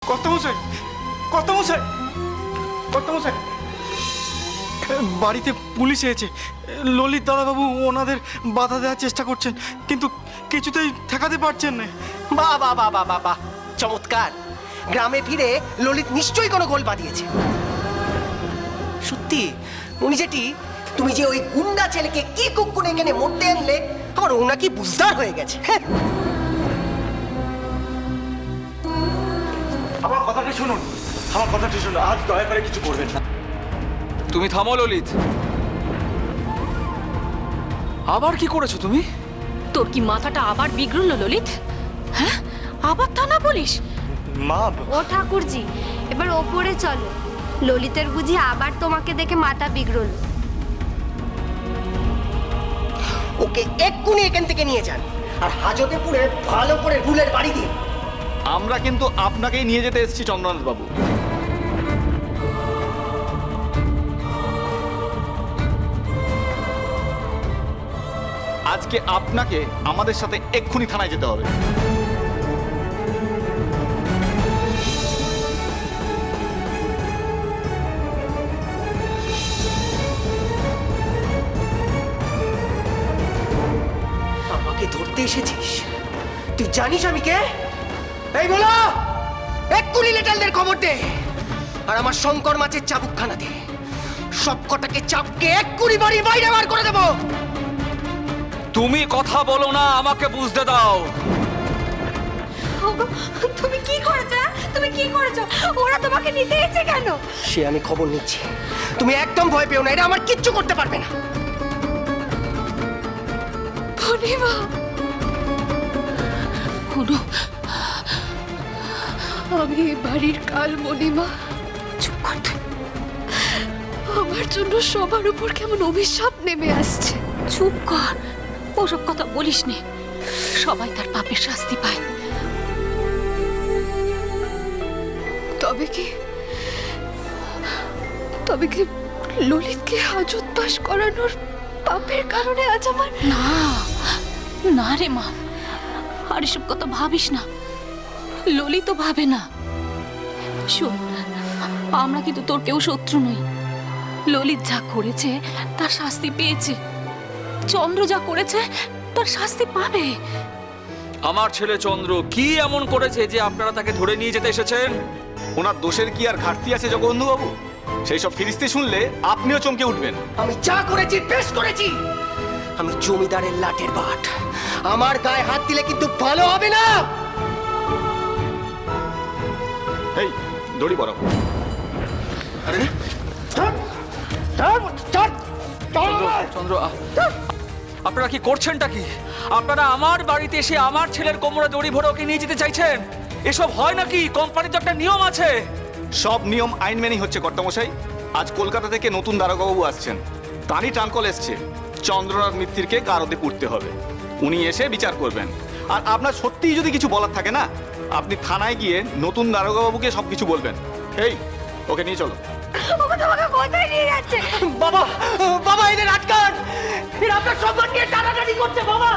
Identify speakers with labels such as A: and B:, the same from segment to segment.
A: কর্তামশাই, কর্তামশাই, কর্তামশাই, বাড়িতে পুলিশ এসেছে। ললিত দাদাবাবু ওনাদের বাধা দেওয়ার চেষ্টা করছেন, কিন্তু কিছুতেই ঠেকাতে পারছেন না।
B: বাহ বাহ বাহ বাহ বাহ বাহ, চমৎকার। গ্রামে ফিরে ললিত নিশ্চয়ই কোনো গোল বাঁধিয়েছে। সত্যি উনি যেটি, তুমি যে ওই গুন্ডা ছেলেকে কি কুকুর এখানে মরতে আনলে, আমার ওনা কি বুঝদার হয়ে গেছে। হ্যাঁ,
A: আমার কথাটা শুনুন, আমার কথাটা শুনুন, আজ দয়া করে কিছু করবেন না।
C: তুমি থামো ললিত। আবার কি করেছো তুমি?
D: তোর কি মাথাটা আবার বিগড়ল ললিত? হ্যাঁ, আবার থানা পুলিশ?
A: মা,
E: ও ঠাকুরজি, এবার ওপরে চলো। ললিতের বুঝি আবার তোমাকে দেখে মাথা বিগড়ল।
B: ওকে এক্ষুনি এখান থেকে নিয়ে যান, আর হাজতেপুরে ভালো করে রুলের বাড়ি দিন।
A: আমরা কিন্তু আপনাকেই নিয়ে যেতে এসেছি চন্দ্রনাথ বাবু। আজকে আপনাকে আমাদের সাথে এক্ষুনি থানায় যেতে হবে।
B: আমাকে ধরতে এসেছিস? তুই জানিস আমি কে? এই বলো, এক্ষুনি লেটালদের খবর দে, আর আমার শঙ্কর মাছের চাবুকখানা দে। সব কটাকে চাপকে এক্ষুনি বাড়ির বাইরে বার করে দেবো।
C: তুমি কথা বলো না, আমাকে বুঝতে দাও।
E: তুমি কি করেছো? তুমি কি করেছো? ওরা তোমাকে নিতে এসেছে কেন?
B: সে আমি খবর নিচ্ছি, তুমি একদম ভয় পেও না, এটা আমার কিচ্ছু করতে পারবে না।
D: পূর্ণিমা, কোনো আমি এই বাড়ির কাল মণিমা। চুপ কর তুই। আমার জন্য সবার উপর কেমন অভিশাপ নেমে আসছে। চুপ কর, ওসব কথা বলিস নে। সবাই তার পাপের শাস্তি পায়। তবে কি ললিতকে হাজত বাস করানোর পাপের কারণে আজ আমার? না না রে মা, আর এসব কথা ভাবিস না। ললিত তো ভাবে না। শোন, আমরা কিন্তু তোর কেউ শত্রু নই। ললিত যা করেছে তার শাস্তি পেয়েছে, চন্দ্র যা করেছে তার শাস্তি পাবে।
C: আমার ছেলে চন্দ্র কি এমন করেছে যে আপনারা তাকে ধরে নিয়ে যেতে এসেছেন?
A: ওনার দোষের কি আর ঘাটতি আছে জগবন্ধু বাবু? সেই সব ফিরিস্তি শুনলে আপনিও চমকে উঠবেন।
B: আমি যা করেছি বেশ করেছি। আমি জমিদারের লাটের বাট, আমার গায়ে হাত দিলে কিন্তু ভালো হবে না।
A: এই দড়ি বরাবর।
B: আরে
C: চন্দ্র, আপনারা কি করছেনটা কি? আপনারা আমার বাড়িতে এসে আমার ছেলের কোমরে দড়ি ভরে ওকে নিয়ে যেতে চাইছেন? এসব হয় নাকি? কোম্পানির তো একটা নিয়ম আছে।
A: সব নিয়ম আইন মেনেই হচ্ছে কর্তামশাই। আজ কলকাতা থেকে নতুন দারোগাবাবু আসছেন, তারই ট্রাঙ্কল এসছে। চন্দ্রনাথ মিত্তিরকে কারদে পুড়তে হবে, উনি এসে বিচার করবেন। আর আপনার সত্যিই যদি কিছু বলার থাকে না, আপনি থানায় গিয়ে নতুন দারোগাবাবুকে সব কিছু বলবেন। এই ওকে নিয়ে চলো।
E: ওকে তোমাকে কোথায় নিয়ে যাচ্ছে?
B: বাবা, বাবা এদের আটকান, এরা আপনার সম্মান নিয়ে টানাটানি করছে। বাবা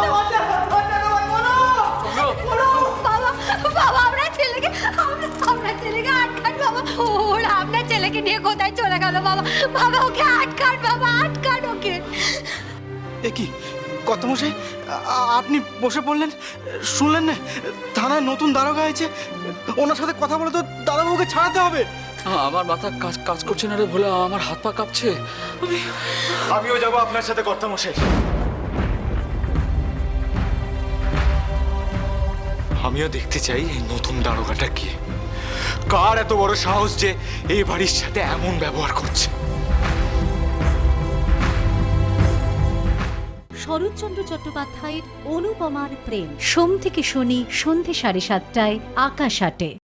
E: বাবা, বাবা, আপনার ছেলেকে আটকান বাবা। ওরা আপনার ছেলেকে নিয়ে কোথায় চলে গেল বাবা? বাবা ওকে আটকান, বাবা আটকান ওকে।
A: এ কি কর্তামশাই, আপনি বসে পড়লেন? শুনলেন না, থানায় নতুন দারোগা আছে, ওনার সাথে কথা বলে তো দাদাবাবুকে ছাড়াতে হবে।
C: আমার মাথা কাজ করছে না রে ভোলা, আমার হাত পা কাঁপছে।
A: আমিও যাবো আপনার সাথে কর্তামশাই। আমিও দেখতে চাই এই নতুন দারোগাটা কি, কার এত বড় সাহস যে এই বাড়ির সাথে এমন ব্যবহার করছে।
F: শরৎচন্দ্র চট্টোপাধ্যায়ের অনুপমার প্রেম, সোম থেকে শনি সন্ধে 7:30টায় আকাশ আটে।